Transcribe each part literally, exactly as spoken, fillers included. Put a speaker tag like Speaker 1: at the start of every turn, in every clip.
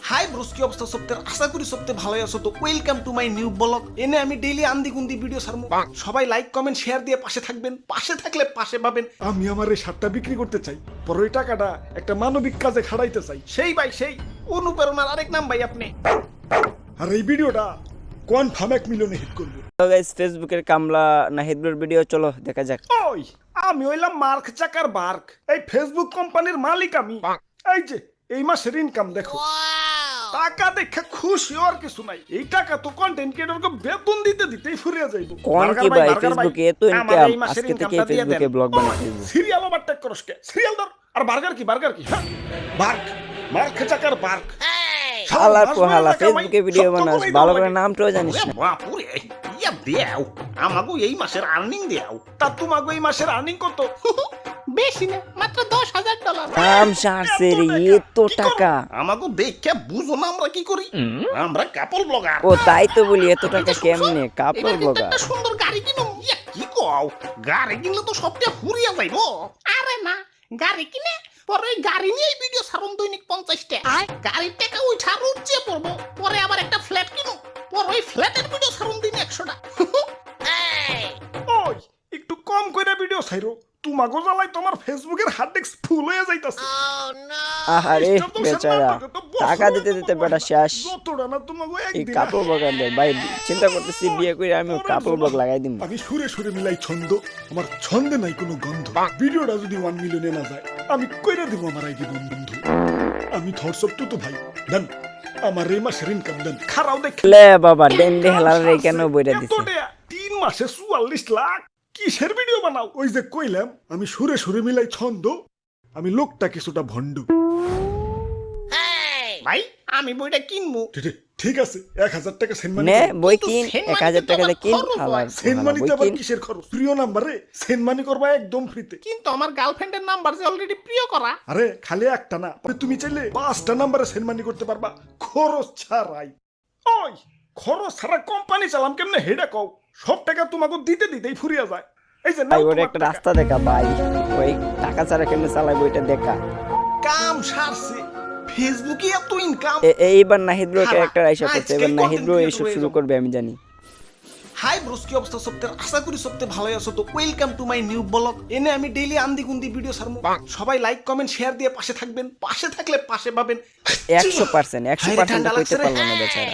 Speaker 1: Hi bros, কি অবস্থা সপ্তাহের? আশা করি সপ্তাহে ভালোই আছো। তো welcome to my new blog. এনে আমি ডেইলি আন্দি গুন্দি ভিডিও ছাড়বো। সবাই লাইক কমেন্ট শেয়ার দিয়ে পাশে থাকবেন, পাশে থাকলে পাশে পাবেন।
Speaker 2: আমি আমার এই শার্টটা বিক্রি করতে চাই, পরে ওই টাকাটা একটা মানবিক কাজে খাড়াইতে চাই।
Speaker 1: সেই ভাই সেই অনুপ্রেরণার আরেক নাম ভাই আপনি।
Speaker 2: আর এই ভিডিওটা কনফার্ম এক মিলিয়নে হিট করবো।
Speaker 3: তো গাইস, ফেসবুকের কামলা নাহিদুর ভিডিও, চলো দেখা যাক।
Speaker 2: ওই আমি হইলাম মার্ক চাকার বার্ক, এই ফেসবুক কোম্পানির মালিক আমি। এই যে এই মাসের ইনকাম দেখো, টাকা দেখে খুশি আর কিছু নাই। এই টাকা তো কন্টেন্ট ক্রিয়েটরকে বেতন দিতে দিতেই ফুরিয়ে যাইব।
Speaker 3: কোন কি ভাই, ফেসবুকে এত ইনকাম, আজকে থেকে ফেসবুকে ব্লগ বানাচ্ছি।
Speaker 2: সিরিয়াল ওভারটেক করস কে? সিরিয়াল ধর। আর বার্গার কি বার্গার কি হ্যাঁ বার্ক, মার্ক চাকার বার্ক।
Speaker 3: শালা কোহালা ফেসবুকে ভিডিও বানাস, ভালো করে নামটাও জানিস না।
Speaker 1: বাপুরে, ইয়া দেও আমাগো এই মাসের আর্নিং দেও।
Speaker 2: তা তোমাকে এই মাসের আর্নিং কত?
Speaker 1: বেশি না, মাত্র দশ হাজার ডলার।
Speaker 3: নাম সারছে রে, এত টাকা।
Speaker 1: আমাগো দেখে বুঝো না আমরা কি করি। আমরা কাপল ব্লগার।
Speaker 3: ও তাই তো বলি, এত টাকা কেমনে কাপল ব্লগার?
Speaker 1: একটা সুন্দর গাড়ি কিনো। ইয়া কি কও, গাড়ি কিনলে তো সবটা ফুরিয়া যাইবো। আরে না, গাড়ি কিনে পরে ওই গাড়ি নিয়ে ভিডিও ছাড়ুন দৈনিক পঞ্চাশটা। গাড়ির টাকা ওই ছাড় উঠছে পড়বো, পরে আবার একটা ফ্ল্যাট কিনো, পরে ওই ফ্ল্যাটের ভিডিও ছাড়ুন দিন একশোটা।
Speaker 2: ওই একটু কম কইরা ভিডিও ছাইরো, তোমাগো জ্বালাই তোমার ফেসবুকের হার্ড ডিস্ক ফুল হয়ে যাইতাছে।
Speaker 3: আহারে বেচারা, টাকা দিতে দিতে বেটা শেষ।
Speaker 2: যতটা না তোমাগো
Speaker 3: এই
Speaker 2: একদিন।
Speaker 3: কাপল ব্লগার দেয় ভাই, চিন্তা করতেছি বিয়ে করে আমি কাপল ব্লগ লাগাই দিম।
Speaker 2: আমি সুরে সুরে মিলাই ছন্দ, আমার ছন্দে নাই কোনো গন্ধ। ভিডিওটা যদি ওয়ান মিলিয়নে না যায়, আমি কইরা দিব আমার আইডি বন্ধু। আমি থটসপ তো তো ভাই দেন, আমার এই মাসের ইনকাম দেন। খারাও দেখ
Speaker 3: লে বাবা, ডেন্ডে হেলার রে কেন বইরা দিছে?
Speaker 2: তিন মাসে চুয়াল্লিশ লাখ। কিসের ভিডিও বানাও? ওই যে কইলাম আমি সুরে সুরে মিলাই ছন্দ, আমি লোকটা কিছুটা ভন্ড।
Speaker 1: ভাই আমি বইটা কিনবো।
Speaker 2: ঠিক- ঠিক আছে, এক হাজার টাকা সেন্ড মানি
Speaker 3: নে
Speaker 2: করো।
Speaker 3: বই কিন, এক হাজার টাকা দিয়ে কিন। হালার
Speaker 2: সেন্ড
Speaker 3: হালার
Speaker 2: মানিতে
Speaker 3: বই
Speaker 2: আবার
Speaker 3: কিন।
Speaker 2: কিসের খরচ? প্রিয় নাম্বারে সেন্ড মানি করবা একদম ফ্রিতে।
Speaker 1: কিন্তু আমার গার্লফ্রেন্ডের নাম্বার যে অলরেডি প্রিয় করা।
Speaker 2: আরে খালি একটা না, তুমি চাইলে পাঁচটা নাম্বারে সেন্ড মানি করতে পারবা খরচ ছাড়াই। ওই খরচ ছাড়া কোম্পানি চালাম কেমনে হেডা কও? সব টাকা তোমাকে দিতে দিতেই ফুরিয়া যায়। এই যে
Speaker 3: ভাই
Speaker 2: নাও
Speaker 3: ওর
Speaker 2: তোমার
Speaker 3: একটা
Speaker 2: টাকা।
Speaker 3: রাস্তা দেখা ভাই, ওই টাকা ছাড়া কেমনে চালাই বইটা দেখা।
Speaker 1: কাম সারছে, ফেসবুকে এত ইনকাম।
Speaker 3: এ- এইবার নাহিদ ব্রো
Speaker 1: হালা,
Speaker 3: ক্যারেক্টার আইসা করছে, এবার
Speaker 1: আজকেই
Speaker 3: নাহিদ ব্রো
Speaker 1: content
Speaker 3: এইসব
Speaker 1: creator
Speaker 3: শুরু
Speaker 1: হয়ে
Speaker 3: করবে আমি জানি।
Speaker 1: হাই ব্রোস, কি অবস্থা সপ্তাহের? আশা করি সপ্তাহে ভালোই আছো। তো welcome to my new blog. এনে আমি ডেইলি আন্দি গুন্দি ভিডিও ছাড়বো। সবাই লাইক কমেন্ট শেয়ার দিয়ে পাশে থাকবেন, পাশে থাকলে পাশে পাবেন।
Speaker 3: একশো পার্সেন্ট একশো
Speaker 1: হায়রে,
Speaker 3: পার্সেন্ট
Speaker 1: ঠান্ডা
Speaker 3: কইতে
Speaker 1: লাগছে রে।
Speaker 3: পারবো না বেচারা।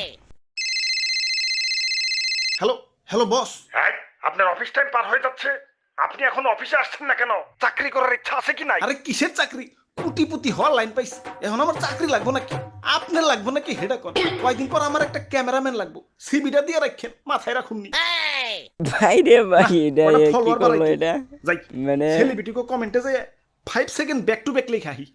Speaker 1: Hello hello boss.
Speaker 2: হ্যাঁ, আপনার অফিস টাইম পার হয়ে যাচ্ছে, আপনি এখন অফিসে আসছেন না কেন? চাকরি করার ইচ্ছা আছে কি নাই?
Speaker 1: আরে কিসের চাকরি? পুটি পুটি হওয়ার লাইন পাইছি, এখন আমার চাকরি লাগবো নাকি? আপনার লাগবো নাকি হেডা কর। কয়েকদিন পর আমার একটা ক্যামেরাম্যান লাগবো, সিবিটা দিয়ে রাখেন, মাথায় রাখুন নি।
Speaker 3: ভাই রে ভাই, এটা
Speaker 1: ওটা
Speaker 3: কি
Speaker 1: follower
Speaker 3: করলো
Speaker 1: বাড়াইতো।
Speaker 3: এটা?
Speaker 1: যাই
Speaker 3: মানে
Speaker 1: সেলিব্রিটি কো কমেন্টে যে five second back to back লেখা হি।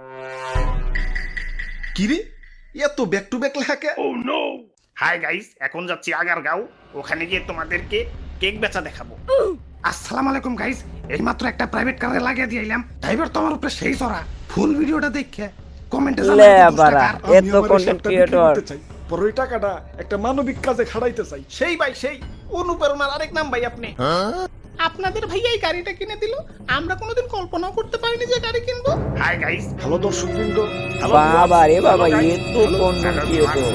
Speaker 1: কি রে, এত ব্যাক টু ব্যাক লেখা কে?
Speaker 2: Oh no.
Speaker 1: হাই গাইস, এখন যাচ্ছি আগারগাঁও, ওখানে গিয়ে তোমাদেরকে কেক বেচা দেখাবো। আসসালামু আলাইকুম গাইস, এইমাত্র একটা প্রাইভেট কারে লাগিয়ে দিয়ে এলাম। ড্রাইভার তোমার উপরে সেই চড়া। ফুল ভিডিওটা দেখে কমেন্টে
Speaker 3: লে
Speaker 1: জানাবেন
Speaker 3: বাড়া,
Speaker 2: আমি
Speaker 3: এত
Speaker 2: আমার এই
Speaker 3: কন্টেন্ট
Speaker 2: শার্টটা বিক্রি
Speaker 3: ক্রিয়েটর।
Speaker 2: করতে চাই, পরে ওই টাকাটা একটা মানবিক কাজে খাড়াইতে চাই।
Speaker 1: সেই ভাই সেই অনুপ্রেরণার আরেক নাম ভাই আপনি। আপনাদের ভাইয়া এই গাড়িটা কিনে দিল, আমরা কোনোদিন কল্পনাও করতে পারিনি যে গাড়ি কিনবো। হাই গাইস,
Speaker 2: হ্যালো দর্শক বৃন্দ,
Speaker 3: বাবা রে বাবা, এত কন্টেন্ট ক্রিয়েটর।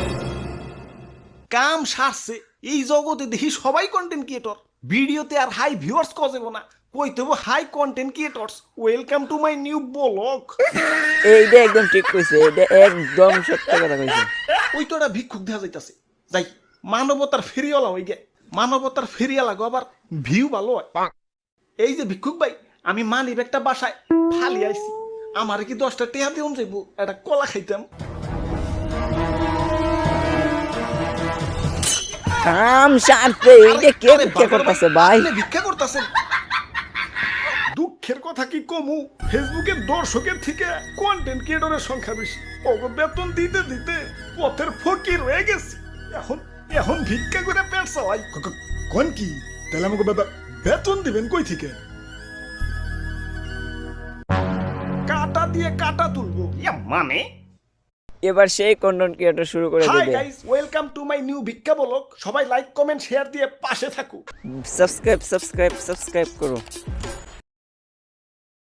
Speaker 1: কাম সারছে, এই জগতে দেখি সবাই কন্টেন্ট ক্রিয়েটর। ভিডিওতে আর হাই ভিউয়ার্স কজেব না, কইতে হবে hi content creators. Welcome to my new blog.
Speaker 3: এইটা একদম ঠিক কইছে, এটা একদম সত্য কথা কইছে।
Speaker 1: ওই তো একটা ভিক্ষুক দেখা যাইতাছে। যাই মানবতার ফেরিওয়ালা হই গে, মানবতার ফেরিওয়ালা গো আবার ভিউ ভালো হয়। এই যে ভিক্ষুক ভাই, আমি মানিব একটা বাসায় ফালি আইছি, আমার কি দশটা টেহা দিউন যাইবো, একটা কলা খাইতাম।
Speaker 3: কাম সারতে, এইটা কে
Speaker 1: আরে
Speaker 3: কে
Speaker 1: বাবা,
Speaker 3: করতেছে ভাই?
Speaker 1: আপনি ভিক্ষা করতেছেন?
Speaker 2: দুঃখের কথা কি কমু, ফেসবুকের দর্শকের থেকে কন্টেন্ট ক্রিয়েটরের সংখ্যা বেশি। ওগো বেতন দিতে দিতে পথের ফকির হয়ে গেছি। এখন এখন ভিক্ষা করে পেট চালাই। ক- ক- কোন কি তাহলে আমাকে বে- বেতন দিবেন কই থেকে? কাটা দিয়ে কাটা তুলবো।
Speaker 1: ইয়া মানে
Speaker 3: এবার সেই কন্টেন্ট ক্রিয়েটর শুরু করে
Speaker 1: হাই
Speaker 3: দেবে।
Speaker 1: Guys, welcome to my new ভিক্ষা ব্লগ। সবাই লাইক কমেন্ট শেয়ার দিয়ে পাশে থাকুক।
Speaker 3: সাবস্ক্রাইব সাবস্ক্রাইব সাবস্ক্রাইব করো।